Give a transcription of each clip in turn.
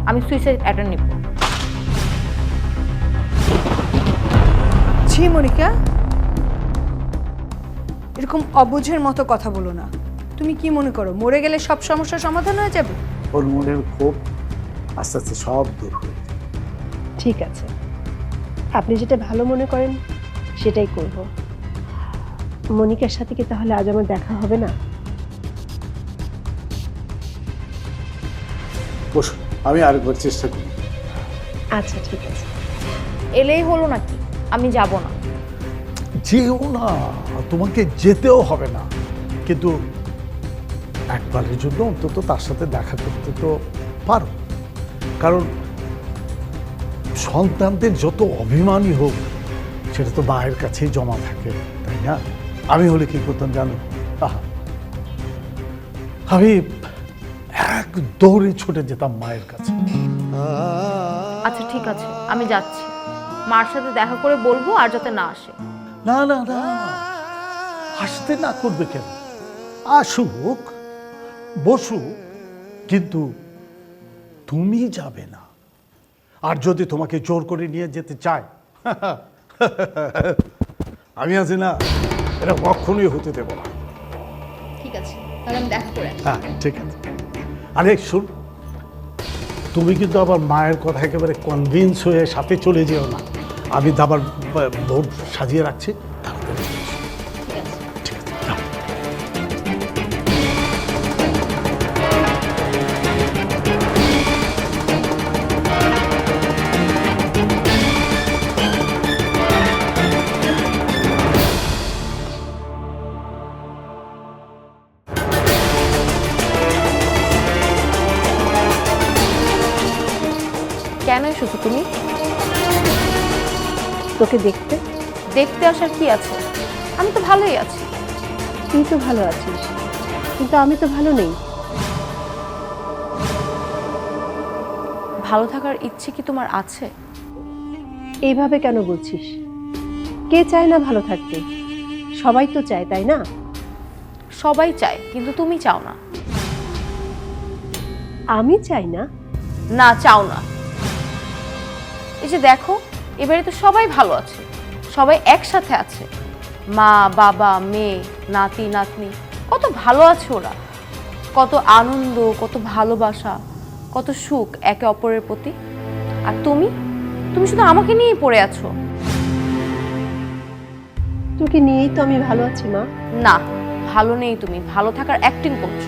আমি suicide attempt নিব। ছি মনিকা, এরকম অবুঝের মতো কথা বলো না। তুমি কি মনে করো মরে গেলে সব সমস্যার সমাধান হয়ে যাবে? ওর মনের ক্ষোভ আস্তে আস্তে সব দূর হয়ে যাবে। ঠিক আছে, আপনি যেটা ভালো মনে করেন সেটাই করব। মনিকার সাথে কি তাহলে আজ আমার দেখা হবে না? বসো, আমি আরেকবার চেষ্টা করি। আচ্ছা ঠিক আছে। এলেই হলো নাকি? আমি যাব না। যেও না, তোমাকে যেতেও হবে না, কিন্তু একবারের জন্য অন্তত তার সাথে দেখা করতে তো পারো। কারণ সন্তানদের যত অভিমানী হোক সেটা তো মায়ের কাছেই জমা থাকে, তাই না? আমি হলে কি করতাম জানো? আহা, আমি এক দৌড়ে ছুটে যেতাম মায়ের কাছে। আচ্ছা ঠিক আছে, আমি যাচ্ছি। মার সাথে দেখা করে বলবো আর যাতে না আসে। না না না, আসতে না করবে কেন? আসুক, বসুক, কিন্তু তুমি যাবে না। আর যদি তোমাকে জোর করে নিয়ে যেতে চায়, আমি আছি না, এটা কখনোই হতে দেব না। ঠিক আছে, তাহলে আমি দেখা করে আসি। হ্যাঁ ঠিক আছে। আরে শুন, তুমি কিন্তু আবার মায়ের কথা একেবারে কনভিন্স হয়ে সাথে চলে যেও না। আমি দাবার বোর্ড সাজিয়ে রাখছি, তাড়াতাড়ি এসো। ঠিক আছে। ঠিক আছে, যাও। কেন এসেছো তুমি? তোকে দেখতে। দেখতে আসার কি আছে? আমি তো ভালোই আছি। তুই তো ভালো আছিস, কিন্তু আমি তো ভালো নেই। ভালো থাকার ইচ্ছে কি তোমার আছে? এইভাবে কেন বলছিস? কে চায় না ভালো থাকতে? সবাই তো চায়, তাই না? সবাই চায়, কিন্তু তুমি চাও না। আমি চাই না? না, চাও না। এই যে দেখো, এবারে তো সবাই ভালো আছে, সবাই একসাথে আছে। মা, বাবা, মেয়ে, নাতি, নাতনি, কত ভালো আছে ওরা। কত আনন্দ, কত ভালোবাসা, কত সুখ একে অপরের প্রতি। আর তুমি তুমি শুধু আমাকে নিয়েই পড়ে আছো। তোকে নিয়েই তো আমি ভালো আছি মা। না, ভালো নেই। তুমি ভালো থাকার অ্যাক্টিং করছো।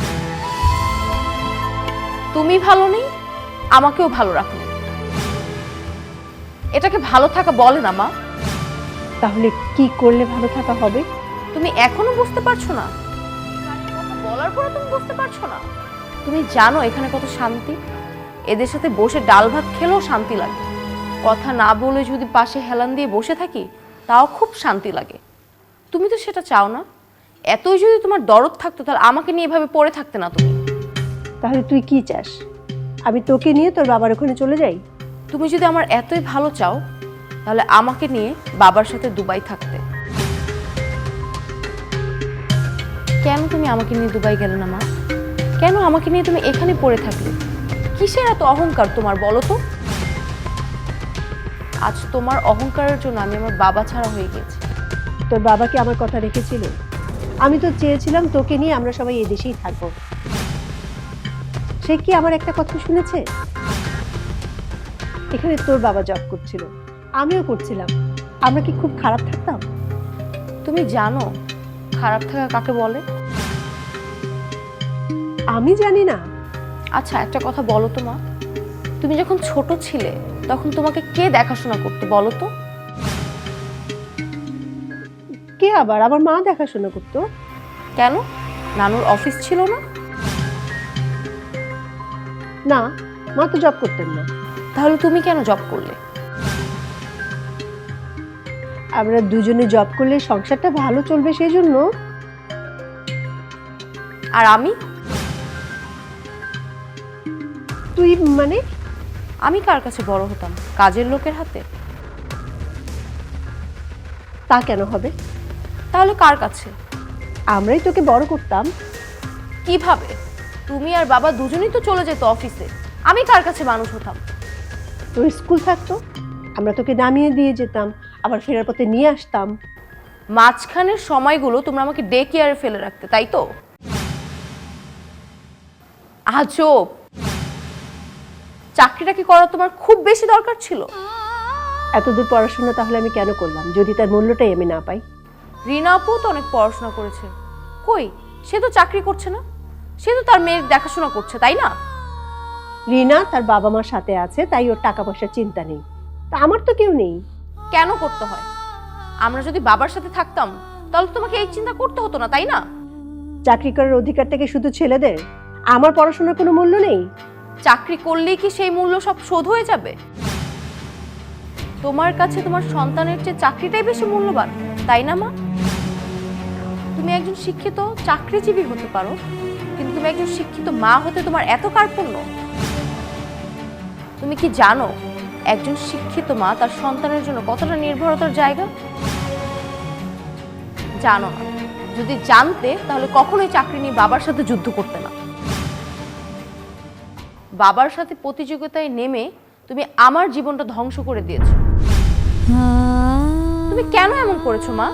তুমি ভালো নেই, আমাকেও ভালো রাখো। এটাকে ভালো থাকা বলে না মা। তাহলে কি করলে ভালো থাকা হবে? তুমি এখনো বুঝতে পারছো না? কথা বলার পরে তুমি বুঝতে পারছো না? তুমি জানো এখানে কত শান্তি? এদের সাথে বসে ডাল ভাত খেলেও শান্তি লাগে। কথা না বলে যদি পাশে হেলান দিয়ে বসে থাকি, তাও খুব শান্তি লাগে। তুমি তো সেটা চাও না। এতই যদি তোমার দরদ থাকতো, তাহলে আমাকে নিয়ে এভাবে পড়ে থাকতে না তুমি। তাহলে তুই কি চাস? আমি তোকে নিয়ে তোর বাবার ওখানে চলে যাই? তুমি যদি আমার এতই ভালো চাও, তাহলে আমাকে নিয়ে বাবার সাথে দুবাই থাকতে। কেন তুমি আমাকে নিয়ে দুবাই গেলে না মা? কেন আমাকে নিয়ে তুমি এখানে পড়ে থাকলে? কিসের এত অহংকার তোমার, বলো তো? আজ তোমার অহংকারের জন্য আমি আমার বাবা ছাড়া হয়ে গেছি। তোর বাবা কি আমার কথা রেখেছিল? আমি তো চেয়েছিলাম তোকে নিয়ে আমরা সবাই এই দেশেই থাকবো। সে কি আমার একটা কথা শুনেছে? এখানে তোর বাবা জব করছিল, আমিও করছিলাম। আমরা কি খুব খারাপ থাকতাম? তুমি জানো খারাপ থাকা কাকে বলে? আমি জানি না। আচ্ছা একটা কথা বলো তো মা, তুমি যখন ছোট ছিলে তখন তোমাকে কে দেখাশোনা করতো বলো তো? কে আবার? আমার মা দেখাশোনা করতো। কেন? নানুর অফিস ছিল না? না, মা তো জব করতেন না। তাহলে তুমি কেন জব করলে? আমরা দুজনে জব করলে সংসারটা ভালো চলবে সেই জন্য। আর আমি? তুই মানে? আমি কার কাছে বড় হতাম? কাজের লোকের হাতে? তা কেন হবে? তাহলে কার কাছে? আমরাই তোকে বড় করতাম। কিভাবে? তুমি আর বাবা দুজনেই তো চলে যেত অফিসে, আমি কার কাছে মানুষ হতাম? তোর স্কুল থাকতো, আমরা তোকে নামিয়ে দিয়ে যেতাম, আবার ফেরার পথে নিয়ে আসতাম। মাঝখানের সময়গুলো তোমরা আমাকে ডে কেয়ারে ফেলে রাখতে, তাই তো? আজব। চাকরিটা কি করা তোমার খুব বেশি দরকার ছিল? এতদূর পড়াশোনা তাহলে আমি কেন করলাম যদি তার মূল্যটাই আমি না পাই? রিনা আপু তো অনেক পড়াশোনা করেছে, কই সে তো চাকরি করছে না, সে তো তার মেয়ের দেখাশোনা করছে, তাই না? রিনা তার বাবা মার সাথে আছে, তাই ওর টাকা পয়সার চিন্তা নেই। তা আমার তো কেউ নেই। কেন করতে হয়? আমরা যদি বাবার সাথে থাকতাম তাহলে তোমাকে এই চিন্তা করতে হতো না, তাই না? চাকরি করার অধিকারটা কি শুধু ছেলেদের? আমার পড়াশোনার কোনো মূল্য নেই? চাকরি করলেই কি সেই মূল্য সব শোধ হয়ে যাবে? তোমার কাছে তোমার সন্তানের চেয়ে চাকরিটাই বেশি মূল্যবান, তাই না মা? তুমি একজন শিক্ষিত চাকরিজীবী হতে পারো, কিন্তু তুমি একজন শিক্ষিত মা হতে তোমার এত কার্পণ্য? তুমি কি জানো একজন শিক্ষিত মা তার সন্তানের জন্য কতটা নির্ভরতার জায়গা? জানো না। যদি জানতে তাহলে কখনোই চাকরি নিয়ে বাবার সাথে যুদ্ধ করতে না। বাবার সাথে প্রতিযোগিতায় নেমে তুমি আমার জীবনটা ধ্বংস করে দিয়েছো। তুমি কেন এমন করেছো মা?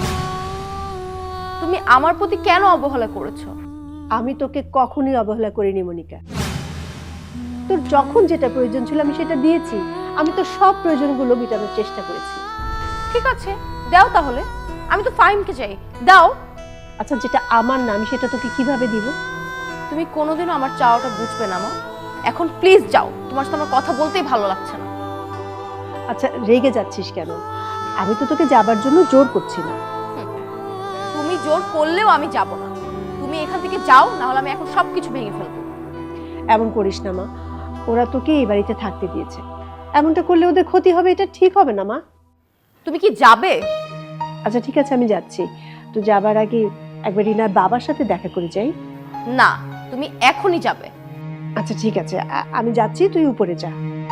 তুমি আমার প্রতি কেন অবহেলা করেছো? আমি তোকে কখনোই অবহেলা করিনি মনিকা। তোর যখন যেটা প্রয়োজন ছিল আমি সেটা দিয়েছি। আমি তো সব প্রয়োজনগুলো মেটানোর চেষ্টা করেছি। ঠিক আছে, দাও তাহলে। আমি তো ফাহিমকে চাই, দাও। আচ্ছা, যেটা আমার না আমি সেটা তোকে কিভাবে দিব? তুমি কোনোদিনও আমার চাওয়াটা বুঝবে না মা। এখন প্লিজ যাও, তোমার সাথে আমার কথা বলতেই ভালো লাগছে না। আচ্ছা, রেগে যাচ্ছিস কেন? আমি তো তোকে যাবার জন্য জোর করছি না। তুমি জোর করলেও আমি যাব না। তুমি এখান থেকে যাও, না হলে আমি এখন সবকিছু ভেঙে ফেলবো। এমন করিস না মা, ওরা তোকে এই বাড়িতে থাকতে দিয়েছে। এমনটা করলে ওদের ক্ষতি হবে, এটা ঠিক হবে না মা। তুমি কি যাবে? আচ্ছা ঠিক আছে, আমি যাচ্ছি। তো যাবার আগে একবার রিনার বাবার সাথে দেখা করে যাই। না, তুমি এখনই যাবে। আচ্ছা ঠিক আছে, আমি যাচ্ছি, তুই উপরে যা।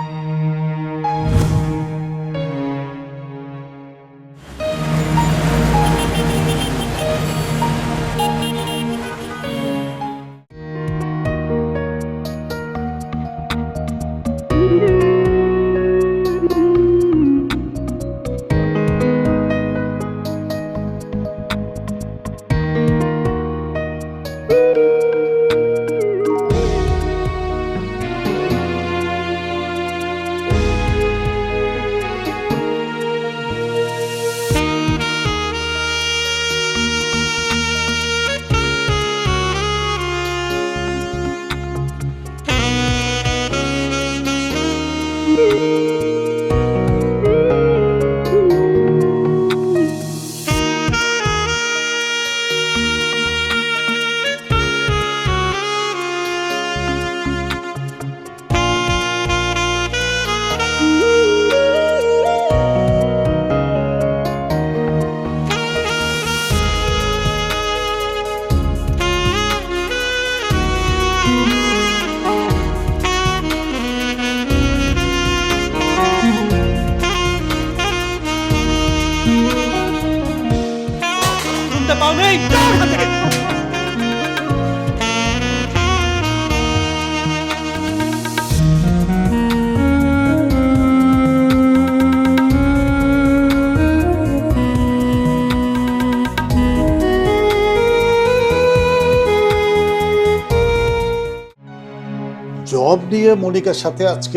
জব নিয়ে মনিকার সাথে আজকে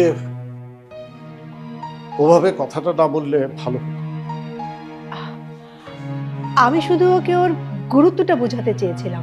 ওভাবে কথাটা না বললে ভালো হতো। আমি শুধু ওকে ওর গুরুত্বটা বোঝাতে চেয়েছিলাম।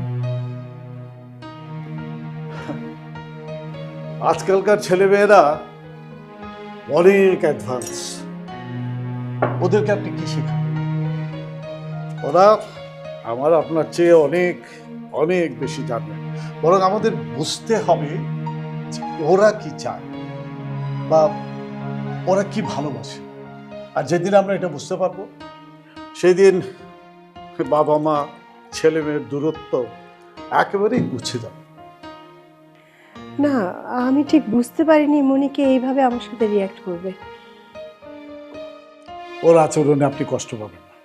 আজকালকার ছেলেমেয়েরা অনেক অ্যাডভান্স, ওদেরকে আপনি কি শেখান? ওরা আমার আপনার চেয়ে অনেক অনেক বেশি জানে। বরং আমাদের বুঝতে হবে ওরা কি চায় বা ওরা কি ভালোবাসে। আর যেদিন আমরা এটা বুঝতে পারবো সেদিন বাবা মা ছেলে মেয়ের দূরত্ব একেবারেই গুছিয়ে যাবে। না, আমি ঠিক বুঝতে পারিনি মনিকে এইভাবে আমার সাথে রিয়াক্ট করবে। ওর আচরণে আপনি কষ্ট পাবেন না।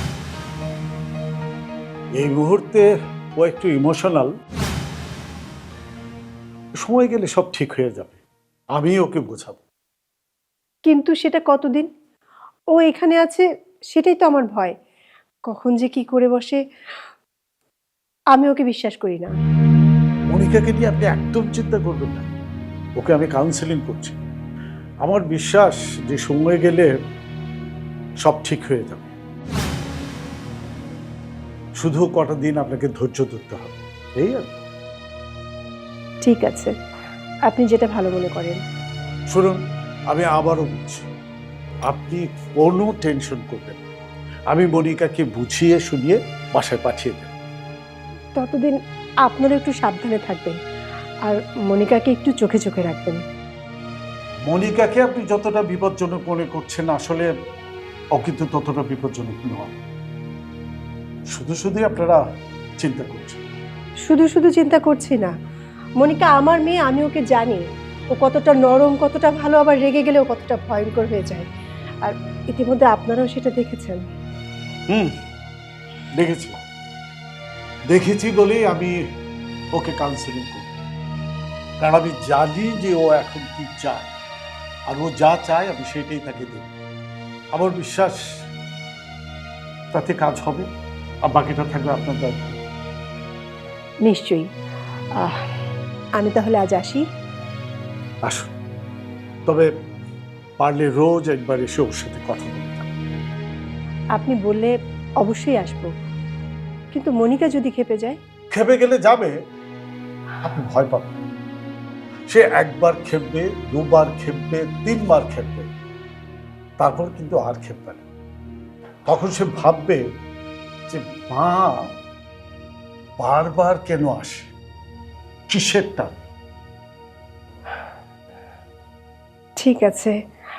এই মুহূর্তে ও একটু ইমোশনাল, সময় গেলে সব ঠিক হয়ে যাবে। আমি ওকে বোঝাবো। কিন্তু সেটা কতদিন? ও এখানে আছে, সেটাই তো আমার ভয়। কখন যে কি করে বসে, আমি ওকে বিশ্বাস করি না। মনিকাকে নিয়ে আপনি একদম চিন্তা করবেন না, ওকে আমি কাউন্সেলিং করছি। আমার বিশ্বাস যে সময় গেলে সব ঠিক হয়ে যাবে। শুধু কটা দিন আপনাকে ধৈর্য ধরতে হবে, এই আর কি। ঠিক আছে, আপনি যেটা ভালো মনে করেন। শুনুন, আমি আবারও বলছি, আপনি কোনো টেনশন করবেন না। আমি মনিকাকে বুঝিয়ে শুনিয়ে বাসায় পাঠিয়ে দেব। ততদিন আপনারা একটু সাবধানে থাকবেন, আর মনিকাকে একটু চোখে চোখে রাখবেন। মনিকাকে আপনি যতটা বিপজ্জনক মনে করছেন, আসলে ও কিন্তু ততটা বিপজ্জনক নয়। শুধু শুধু আপনারা চিন্তা করছেন। শুধু শুধু চিন্তা করছি না, মনিকা আমার মেয়ে, আমি ওকে জানি। ও কতটা নরম, কতটা ভালো, আবার রেগে গেলেও কতটা ভয়ঙ্কর হয়ে যায়। আর ইতিমধ্যে আপনারাও সেটা দেখেছেন। দেখেছি দেখেছি বলেই আমি ওকে কাউন্সেলিং করি, কারণ আমি জানি যে ও এখন কি চায়, আর ও যা চায় আমি সেটাই তাকে দেব। আমার বিশ্বাস তাতে কাজ হবে, আর বাকিটা থাকবে আপনার দায়িত্ব। নিশ্চয়ই। আমি তাহলে আজ আসি। আসুন, তবে পারলে রোজ একবার এসে ওর সাথে কথা বলে যান। আপনি বললে অবশ্যই আসবো, কিন্তু মনিকা যদি খেপে যায়? খেপে গেলে যাবে, আপনি ভয় পাবেন না। সে একবার খেপবে, দুবার খেপবে, তিনবার খেপবে, তারপর কিন্তু আর খেপবে না। তখন সে ভাববে যে মা বারবার কেন আসে, কিসের টান। ঠিক আছে,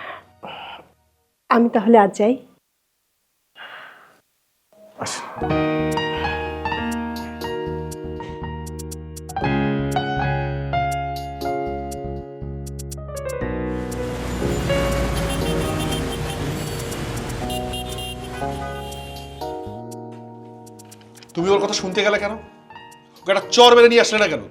আমি তাহলে আজ যাই। আসে। তুমি ওর কথা শুনতে গেলে কেন? ওকে একটা চর মেরে নিয়ে আসলে না কেন?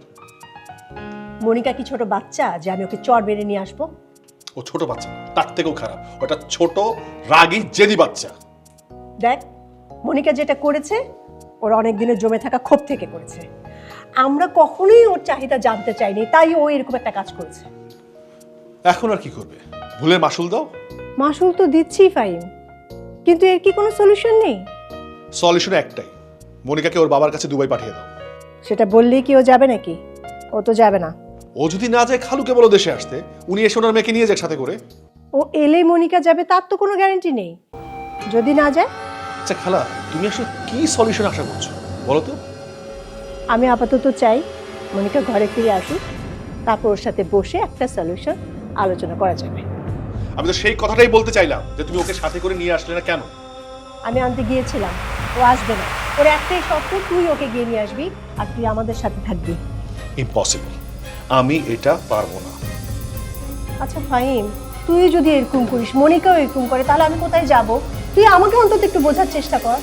মনিকা কি ছোট বাচ্চা যে আমি ওকে চর বেড়ে নিয়ে আসবো? ও ছোট বাচ্চা না, তার থেকেও খারাপ। ওটা ছোট রাগী জেদি বাচ্চা। দেখ, মনিকা যেটা করেছে ওর অনেক দিনের জমে থাকা ক্ষোভ থেকে করেছে। আমরা কখনোই ওর চাহিদা জানতে চাইনি, তাই ও এরকম একটা কাজ করেছে। এখন আর কি করবে? ভুলের মাসুল দাও। মাসুল তো দিচ্ছি ফাইন, কিন্তু এর কি কোনো সলিউশন নেই? সলিউশন একটাই, মনিকাকে ওর বাবার কাছে দুবাই পাঠিয়ে দাও। সেটা বললেই কি ও যাবে নাকি? ও তো যাবে না। ও যদি না যায়, খালুকে বলো দেশে আসতে, উনি এসে ওনার মেয়েকে নিয়ে যাক সাথে করে। ও এলে মনিকা যাবে তার তো কোনো গ্যারান্টি নেই। যদি না যায়? আচ্ছা খালা, তুমি আসলে কি সলিউশন আশা করছো বলো তো? আমি আপাতত চাই মনিকা ঘরে ফিরে আসুক, তারপর ওর সাথে বসে একটা সলিউশন আলোচনা করা যাবে। আমি তো সেই কথাটাই বলতে চাইলাম যে তুমি ওকে সাথে করে নিয়ে আসলে না কেন? আমি আনতে গিয়েছিলাম, ও আসবে না। ওর একটাই শর্ত, তুই ওকে গিয়ে নিয়ে আসবি আর তুই আমাদের সাথে থাকবি। ইম্পসিবল, আমি এটা পারবো না। আচ্ছা ফাহিম, তুই যদি এরকম করিস, মনিকাও এরকম করে, তাহলে আমি কোথায় যাব? তুই আমাকে অন্তত একটু বোঝার চেষ্টা কর।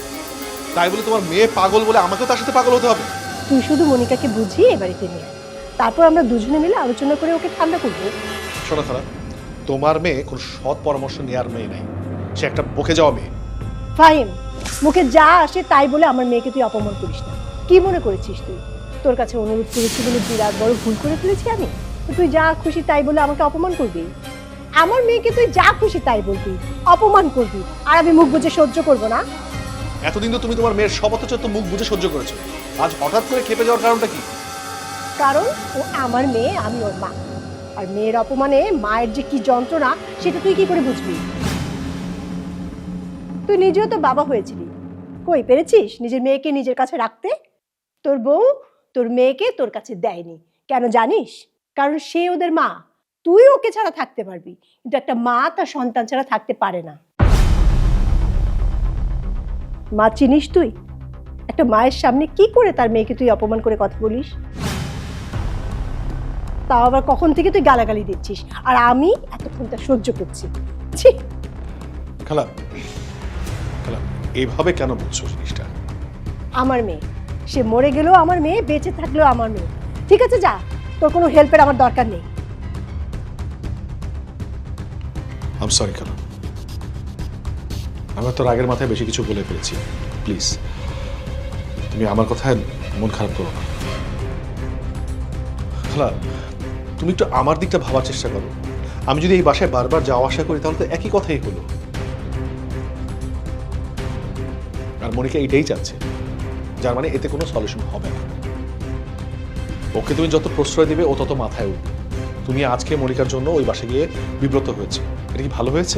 তাই বলে তোমার মেয়ে পাগল বলে আমাকেও তার সাথে পাগল হতে হবে? তুই শুধু মনিকাকে বুঝিয়ে এ বাড়িতে নিয়ে আয়। তারপর আমরা দুজনে মিলে আলোচনা করে ওকে ঠান্ডা করবো। শোনো খালা, তোমার মেয়ে কোনো সৎ পরামর্শ নেওয়ার মেয়ে নাই, সে একটা বকে যাওয়া মেয়ে। ফাহিম, মুখে যা আসে তাই বলে আমার মেয়েকে তুই অপমান করিস না। কি মনে করেছিস তুই তোর কাছে অনুরোধ করেছি বলে বিরাট বড় ভুল করে ফেলেছি আমি? তো তুই যা খুশি তাই বলে আমাকে অপমান করবি? আমার মেয়েকে তুই যা খুশি তাই বলবি, অপমান করবি, আর আমি মুখ বুজে সহ্য করবো না? এতদিন তো তুমি তোমার মেয়ের সব অত্যাচার তো মুখ বুঝে সহ্য করেছো, আজ হঠাৎ করে খেপে যাওয়ার কারণটা কি? কারণ ও আমার মেয়ে, আমি ওর মা। আর মেয়ের অপমানে মায়ের যে কি যন্ত্রণা সেটা তুই কি করে বুঝবি? তুই নিজেও তো বাবা হয়েছিলি, কই পেরেছিস নিজের মেয়েকে নিজের কাছে রাখতে? তোর বউ তোর মেয়েকে তোর কাছে দেয়নি কেন জানিস? কারণ সে ওদের মা। তুই ওকে ছাড়া থাকতে পারবি, কিন্তু একটা মা তার সন্তান ছাড়া থাকতে পারে না। মা চিনিস তুই? একটা মায়ের সামনে কি করে তার মেয়েকে তুই অপমান করে কথা বলিস? তাও আবার কখন থেকে তুই গালাগালি দিচ্ছিস, আর আমি এতক্ষণ তা সহ্য করছি। ছি! খালা, খালা এইভাবে কেন বলছো জিনিসটা? আমার মেয়ে, সে মরে গেলেও আমার মেয়ে, বেঁচে থাকলেও আমার মেয়ে। ঠিক আছে যা, তোর কোনো হেল্পের আমার দরকার নেই। আম সরি খালা, আমি তো রাগের মাথায় বেশি কিছু বলে ফেলেছি। প্লিজ তুমি আমার কথায় মন খারাপ করো না। খালা, তুমি একটু আমার দিকটা ভাবার চেষ্টা করো। আমি যদি এই বাসায় বারবার যাওয়া আসা করি তাহলে তো একই কথাই হলো। আর মনিকা এটাই চাচ্ছে, যার মানে এতে কোনো সলিউশন হবে না। ওকে তুমি যত প্রশ্রয় দিবে ও তত মাথায় উঠবে। তুমি আজকে মনিকার জন্য ওই বাসায় গিয়ে বিব্রত হয়েছে, এটা কি ভালো হয়েছে?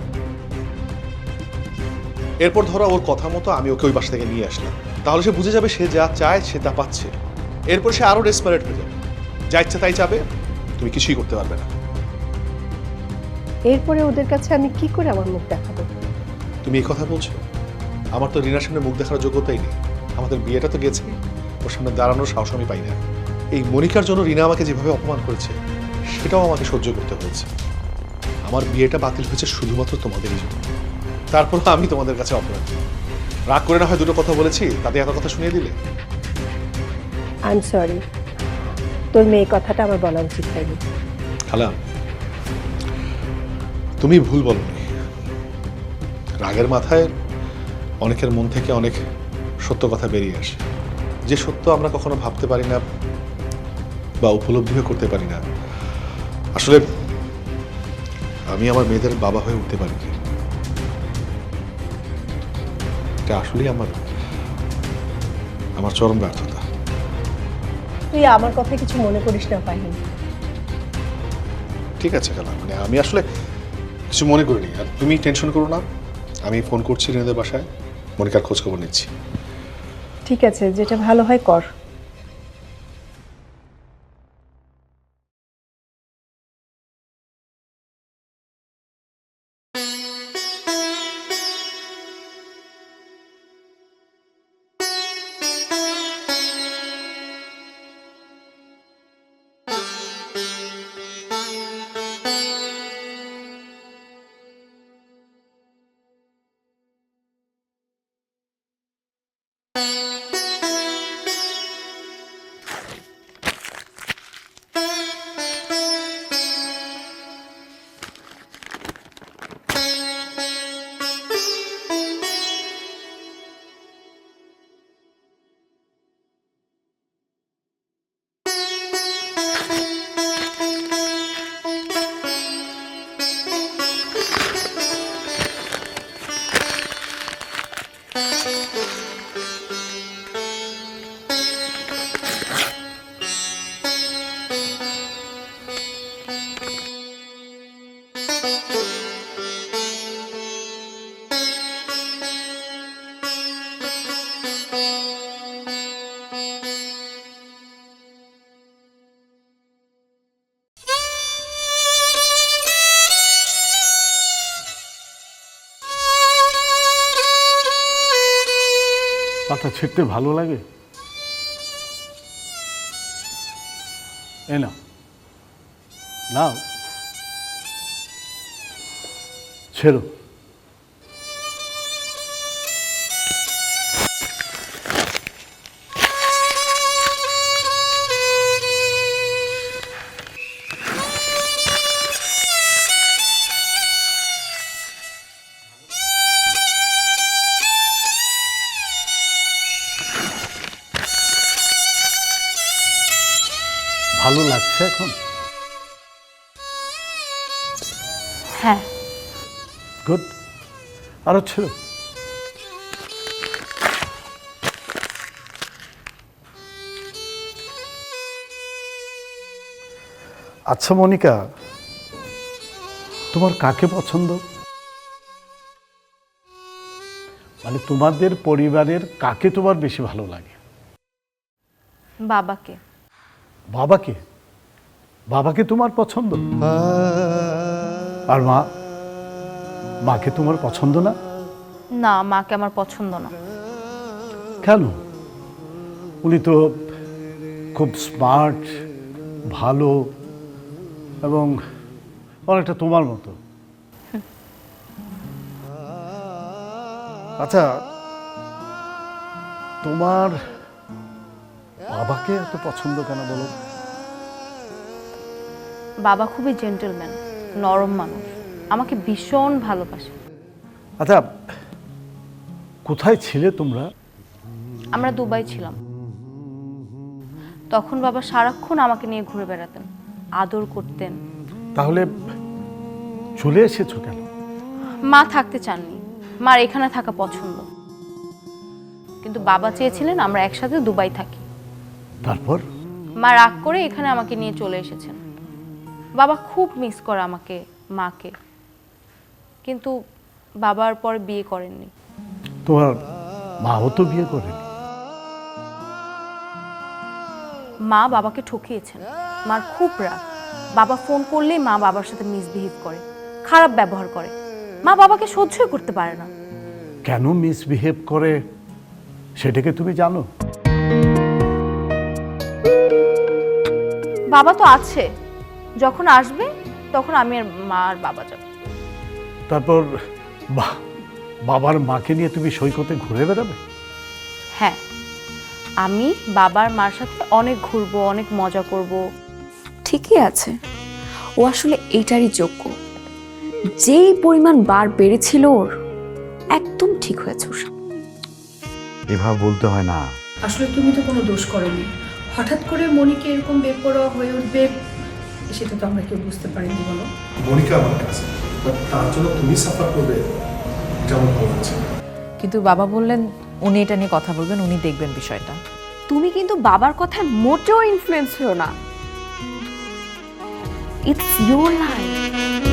এরপর ধরো ওর কথা মতো আমি ওকে ওই বাসা থেকে নিয়ে আসলাম, তাহলে সে বুঝে যাবে সে যা চায় সে তা পাচ্ছে। এরপর সে আরো ডেসপারেট হয়ে যাবে, যা ইচ্ছা তাই চাবে, তুমি কিছুই করতে পারবে না। এরপরে ওদের কাছে আমি কি করে আমার মুখ দেখাবো? তুমি এই কথা বলছো? আমার তো রিনার সামনে মুখ দেখার যোগ্যতাই নেই। আমাদের বিয়েটা তো গেছে, ওর সামনে দাঁড়ানোর সাহস আমি পাই না। এই মনিকার জন্য রিনা আমাকে যেভাবে অপমান করেছে সেটাও আমাকে সহ্য করতে হয়েছে। আমার বিয়েটা বাতিল হয়েছে শুধুমাত্র তোমাদেরই জন্য। তারপর আমি তোমাদের কাছে অপরাধী। রাগ করে না হয় দুটো কথা বলেছি, তাতে এত কথা শুনিয়ে দিলে। আই এম সরি, তোর মেয়ে কথাটা আমার বলা উচিত হয়নি। খালা, তুমি ভুল বলনি। রাগের মাথায় অনেকের মন থেকে অনেক সত্য কথা বেরিয়ে আসে, যে সত্য আমরা কখনো ভাবতে পারি না বা উপলব্ধিও করতে পারি না। আসলে আমি আমার মেয়েদের বাবা হয়ে উঠতে পারিনি। এটা আসলেই আমার চরম ব্যর্থতা। তুই আমার কথা কিছু মনে করিস না পাহিন। ঠিক আছে খালা, মানে আমি আসলে কিছু মনে করিনি। আর তুমি টেনশন করো না, আমি ফোন করছি রিনাদের বাসায়, মনিকার খোঁজ খবর নিচ্ছি। ঠিক আছে, যেটা ভালো হয় কর। পাতা ছিঁড়তে ভালো লাগে? এ নাও, নাও, ছেড়ো। ভালো লাগছে এখন? হ্যাঁ। গুড, আরো ছিল। আচ্ছা মনিকা, তোমার কাকে পছন্দ? মানে তোমাদের পরিবারের কাকে তোমার বেশি ভালো লাগে? বাবাকে। বাবাকে? বাবাকে তোমার পছন্দ? আর মা? মাকে তোমার পছন্দ না? না, মাকে আমার পছন্দ না। কেন? উনি তো খুব স্মার্ট, ভালো এবং অনেকটা তোমার মতো। আচ্ছা, তোমার বাবাকে এত পছন্দ কেন বলো? বাবা খুবই জেন্টলম্যান, নরম মানুষ। আমাকে ভীষণ ভালোবাসে। আচ্ছা, কোথায় ছিলে তোমরা? আমরা দুবাই ছিলাম। তখন বাবা সারাক্ষণ আমাকে নিয়ে ঘুরে বেড়াতেন, আদর করতেন। তাহলে চলে এসেছো কেন? মা থাকতে চাননি, মার এখানে থাকা পছন্দ, কিন্তু বাবা চেয়েছিলেন আমরা একসাথে দুবাই থাকি। তারপর? মা রাগ করে এখানে আমাকে নিয়ে চলে এসেছেন। বাবা খুব মিস করে আমাকে, মাকে, কিন্তু বাবার পর বিয়ে করেননি। তোমার মাও তো বিয়ে করেনি। মা বাবাকে ঠকিয়েছেন। মার খুব রাগ। বাবা ফোন করলেই মা বাবার সাথে মিসবিহেভ করে, খারাপ ব্যবহার করে। মা বাবাকে সহ্যই করতে পারে না। কেন মিসবিহেভ করে সেটাকে তুমি জানো? বাবা তো আছে, যখন আসবে তখন আমি আর মা আর বাবা যাব। তারপর বাবার মাকে নিয়ে তুমি সৈকতে ঘুরে বেড়াবে? হ্যাঁ, আমি বাবার মার সাথে অনেক ঘুরবো, অনেক মজা করব। ঠিকই আছে, ও আসলে এইটারই যোগ্য। যেই পরিমাণ বার বেড়েছিল ওর, একদম ঠিক হয়েছে ওর সাথে। এভাবে বলতে হয় না। আসলে তুমি তো কোনো দোষ করোনি, হঠাৎ করে মনিকে এরকম বেপরোয়া হয়ে উঠবে সেটা তো আমরা কেউ বুঝতে পারিনি। বলো, মনিকা আমার কাছে, তার জন্য তুমি সাফার করবে, এটা আমার ভালো লাগছে না। কিন্তু বাবা বললেন উনি এটা নিয়ে কথা বলবেন, উনি দেখবেন বিষয়টা। তুমি কিন্তু বাবার কথায় মোটেও ইনফ্লুয়েন্স হও না। It's your life.